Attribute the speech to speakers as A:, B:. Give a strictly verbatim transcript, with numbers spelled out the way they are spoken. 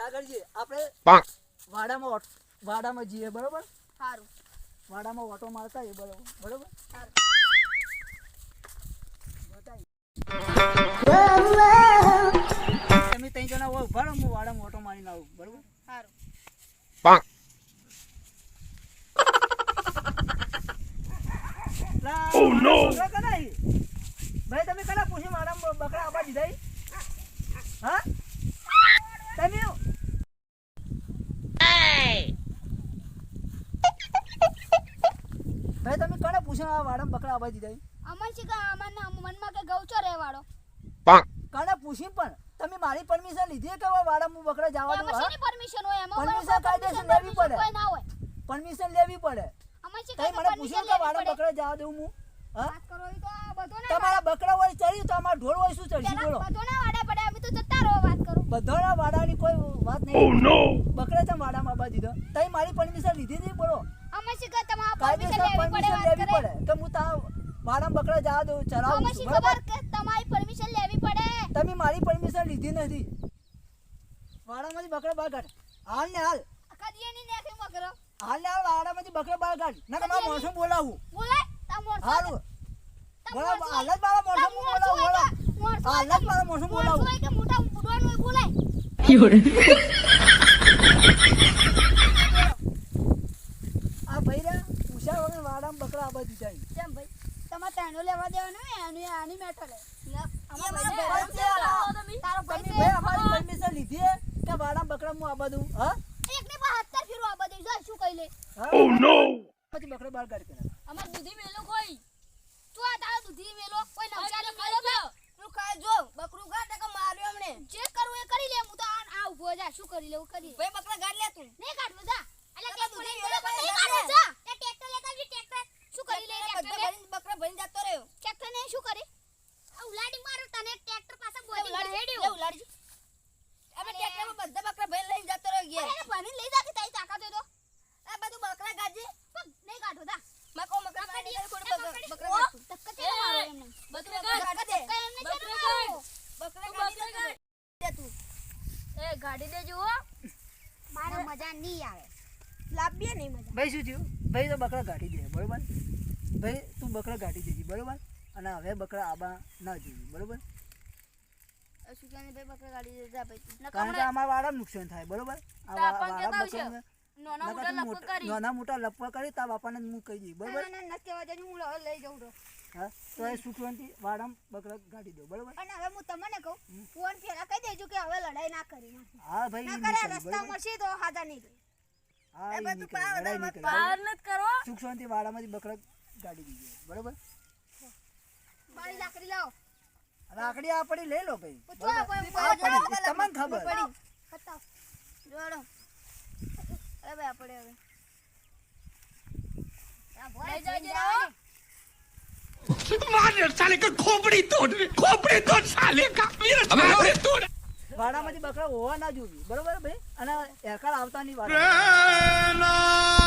A: સાગરજી આપણે વાડામાં વાડામાં જઈએ બરોબર.
B: સારું.
A: વાડામાં ઓટો મારતા એ બરોબર બરોબર. તમે ત્રણ જણા હોય ઉભા રહો, હું વાડામાં ઓટો મારીને આવું બરોબર.
B: સારું.
A: Oh no! ભાઈ તમે કલા પૂછી મારા બકરા આબા દીધા હા તમે ભાઈ તમે કલા પૂછી આ વાડા બકરા આબા દીધા
B: અમન છે કે અમન મનમાં કે ગૌચો રહેવાડો
A: કલા પૂછી પણ તમે મારી પરમિશન લીધી કે વાડામાં બકરા જવા દો
B: હા પરમિશન હોય એમાં
A: પરમિશન કાયદેસર લેવી પડે
B: કોઈ ના હોય
A: પરમિશન લેવી પડે
B: અમન છે
A: તમે મને પૂછ્યું કે વાડા બકરા જવા દઉં હું
B: વાત કરો ઈ તો બધો ના
A: તમારા બકરા હોય ચડ્યું તો અમાર ઢોર હોય શું ચડશે બોલો
B: બધો ના વાડા પડે અમે તો જતા રહો વાત કરો
A: બધોના વાડાની કોઈ વાત નહીં.
C: Oh no!
A: બકરા તો વાડામાં આબા દીધો તમે મારી પરમિશન લીધી હતી બોલો
B: અમન છે કે તમારા
A: કાયદેસર
B: પરમિશન લેવી પડે
A: પરમિશન
B: વાત
A: લેવી
B: કરે
A: પડે કે હું તા વાડામાં બકરા જવા દઉં ચરાવું
B: અમન
A: છું
B: છે
A: બરાબર
B: ખબર કે તમારી પરમિશન લેવી પડે
A: તમે મારી પરમિશન લીધી નથી વાડામાંથી બકરા બહાર કાઢ હાલ ને હાલ
B: કદીએ ની નાખી મકરો
A: હાલ ને હાલ વાડામાંથી બકરા બહાર કાઢ ના તમારા મોણસો બોલાવું
B: બોલાય તા મોરસો
A: હાલ બોલા હાલ જ મારા મોણસો બોલાવું બોલા હાલ જ મારા મોણસો બોલાવું
B: કે મોટા ઉડવાનું હોય બોલાય
A: આ ભઈરા પૂછ્યા વગર વાડામાં બકરા આબા દીધા
B: કેમ ભાઈ તમારે તાનો લેવા દેવાનો ને આની આની મેટર હે તારો
A: તમે
B: ભાઈ
A: ભાઈ અમારી પરમિશન લીધી હે કે વાડામાં બકરા હું આબા દઉં હા
B: એકને પર હત્તર ફેરો આ બધું જો શું કહી લે
C: Oh no!
A: પછી બકરા બહાર કાઢી પેલા
B: અમાર દૂધી મેલો કોઈ તું આ તારો દૂધી મેલો કોઈ નવચારી મેલો કે તું ખાય જો બકરું ગાડ કે માર્યો હમણે જે કરું એ કરી લે હું તો આ આ ઉભો જા શું કરી લેવું કરી ભાઈ બકરા ગાડ લે તું નહીં કાઢવો જા અલ્યા કે દૂધી મેલો નહીં કાઢવો જા એ ટ્રેક્ટર લેતા જી ટ્રેક્ટર શું કરી લે ટ્રેક્ટર ભરીને બકરા ભરીને જતો રહ્યો ટ્રેક્ટર ને શું કરી આ ઉલાડી મારો તને ટ્રેક્ટર પાછા બોડી હેડ્યો લે ઉલાડી અમે ટ્રેક્ટરમાં બધા બકરા ભરીને લઈને જતો રહ્યો ગયા એને ભરીને લઈ જા કે તારી તાકાત હોય તો આ બધું બકરા ગાજી નહીં કાઢો દા મકો મકરા કાઢી કોડ બકરા ધક્કા ચે મારો એમને બકરા ગાડ દે બકરા ગાડ બકરા ગાડી દે તું એ ગાડી દેજો હો મારે મજા નહીં આવે લાભીએ નહીં મજા
A: ભાઈ શું થયું ભાઈ તો બકરા કાઢી દે બરોબર ભાઈ તું બકરા કાઢી દેજી બરોબર અને હવે બકરા આબા ના જોઈએ બરોબર
B: સુજાને ભાઈ બકરા ગાડી દેજા ભાઈ
A: કારણ કે અમારા વાળા નુકસાન થાય બરોબર આ વાળા બકરા
B: નાના મોટા લપક કરી
A: નાના મોટા લપક કરી તા બાપાને હું કહી દઈ બરોબર
B: ના ના કેવા જઈને હું લઈ જાઉં તો
A: હા તો એ સુખવંતી વાડામાં બકરા કાઢી દો બરોબર
B: અને હવે હું તમને કહું ફોન ફેરા કહી દેજો કે હવે લડાઈ ના કરી
A: હા ભાઈ
B: ના કરે રસ્તા મળશે તો હાજા નહીં ગઈ
A: હા એ બધું લડાઈ નહીં કરી
B: બહાર ન કરો
A: સુખવંતી વાડામાંથી બકરા કાઢી દીધી બરોબર
B: બાળી લાકડી લાવો
A: લાકડી આ પડી લઈ લો ભાઈ
B: પૂછો
A: તમને ખબર
B: પડી બતાવ જોડો અરે ભાઈ આપણે હવે આ ભોય જઈ
C: मार साले का खोपड़ी तोड़ खोपड़ी तोड़ साले का मेरा खोपड़ी तोड़
A: વાડામાંથી બકરા હોવા ના જોઈએ બરોબર ભાઈ અને એરકાર આવતા નહીં વાડા